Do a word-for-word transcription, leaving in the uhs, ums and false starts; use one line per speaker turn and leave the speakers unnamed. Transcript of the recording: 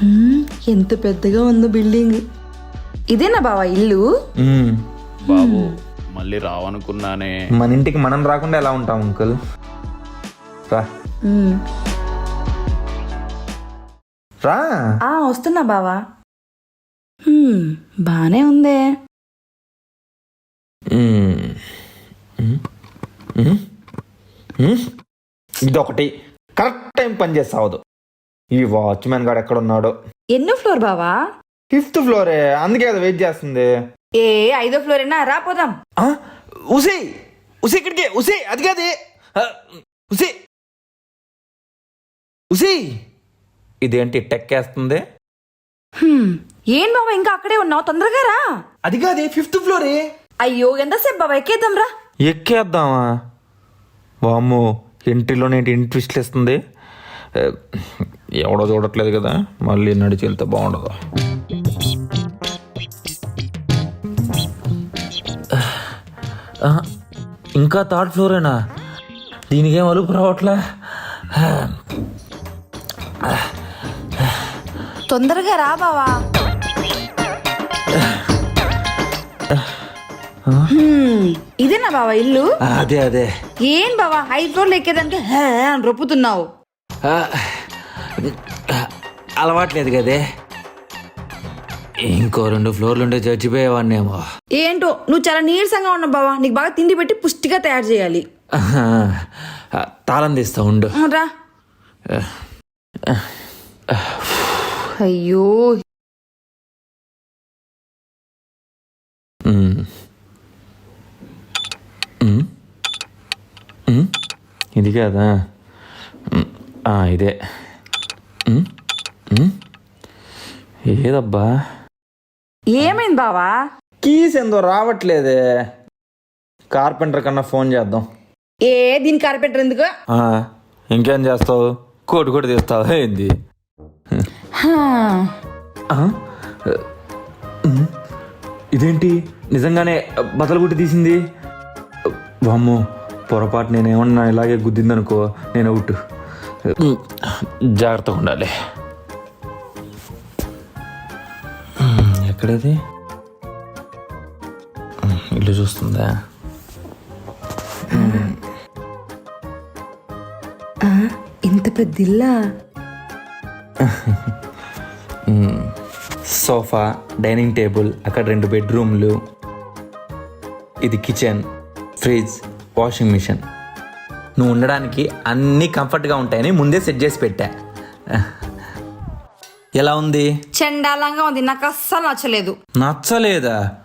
ఎంత పెద్దగా ఉందో బిల్డింగ్. ఇదేనా బావా ఇల్లు?
బాబు మళ్ళీ రావనుకున్నానే.
మన ఇంటికి మనం రాకుండా ఎలా ఉంటాం అంకుల్? రా
మ్మ్.
రా.
ఆ వస్తున్నా బావా. హ్మ్, బానే ఉందే.
మ్మ్. మ్మ్. మ్మ్. మ్మ్. ఇదొకటి కరెక్ట్ టైం పని చేస్తావదు. ఈ వాచ్మెన్ గాడు ఎక్కడ ఉన్నాడో.
ఎన్నో ఫ్లోర్ బావా?
ఫిఫ్త్ ఫ్లోరే, అందుకే అది వెయిట్ చేస్తుంది.
ఏ ఐదో ఫ్లోర్ అయినా రా పోదాం.
ఆ? ఉసి ఉసి ఇక్కడికి ఉసి అది కాదు ఆ, ఉసి ఉసి ఇదేంటి టెక్కేస్తుంది?
హ్మ్, ఏం బావా ఇంకా అక్కడే ఉన్నావు? తొందరగా రా.
అది కాదే ఫిఫ్త్ ఫ్లోరే.
అయ్యో ఎంతసేపు బావా, ఎక్కేద్దాం రా.
ఎక్కేద్దామా? వామ్మో, ఎంట్రీలోనే ఇంట్రెస్ట్ ఇస్తుంది. ఎవడో చూడట్లేదు కదా, మళ్ళీ నడిచి వెళ్తే బాగుండదు. ఆ, ఇంకా థర్డ్ ఫ్లోరేనా? దీనికేం అలుపు రావట్లే.
తొందరగా రా బావా. హ్మ్, ఇదేనా బావా ఇల్లు?
అదే అదే.
ఏం బావా ఐదు ఫ్లోర్లు ఎక్కేదానికి హే అని రొప్పుతున్నావు?
ఆ, అలవాట్లేదు కదే. ఇంకో రెండు ఫ్లోర్లు ఉంటే చచ్చిపోయేవాడినేమో.
ఏంటో నువ్వు చాలా నీరసంగా ఉన్నావు బావా, నీకు బాగా తిండి పెట్టి పుష్టిగా తయారు చేయాలి.
ఆహా, తాళం తీస్తా ఉండు.
ఆ, రా. అయ్యో
ఉమ్. ఉమ్. ఉమ్. ఇది కాదా? ఉమ్. ఆ, ఇదే. ఉమ్. ఉమ్. ఏదబ్బా?
ఏమైంది బావా?
కీస్ ఎందో రావట్లేదే. కార్పెంటర్ కన్నా ఫోన్ చేద్దాం.
ఏ దీని కార్పెంటర్ ఎందుకు?
ఆ, ఇంకేం చేస్తావు? కోటి కోటి తీస్తావు ఏంది?
హా,
ఆ? ఉమ్. ఇదేంటి నిజంగానే బతలగుట్టి తీసింది? వామ్మో, పొరపాటు నేనేమన్నా ఇలాగే గుద్దిందనుకో, నేను అవుట్. ఉమ్. జాగ్రత్తగా ఉండాలి. ఉమ్, ఎక్కడది? ఉమ్, ఇల్లు చూస్తుందా?
ఆ, ఇంత పెద్ద ఇల్లా?
సోఫా, డైనింగ్ టేబుల్, అక్కడ రెండు బెడ్రూమ్లు, ఇది కిచెన్, ఫ్రిడ్జ్, వాషింగ్ మిషన్. నువ్వు ఉండడానికి అన్నీ కంఫర్ట్గా ఉంటాయని ముందే సెట్ చేసి పెట్టా. ఎలా ఉంది?
చండాలంగా ఉంది, నాకు అస్సలు నచ్చలేదు.
నచ్చలేదా?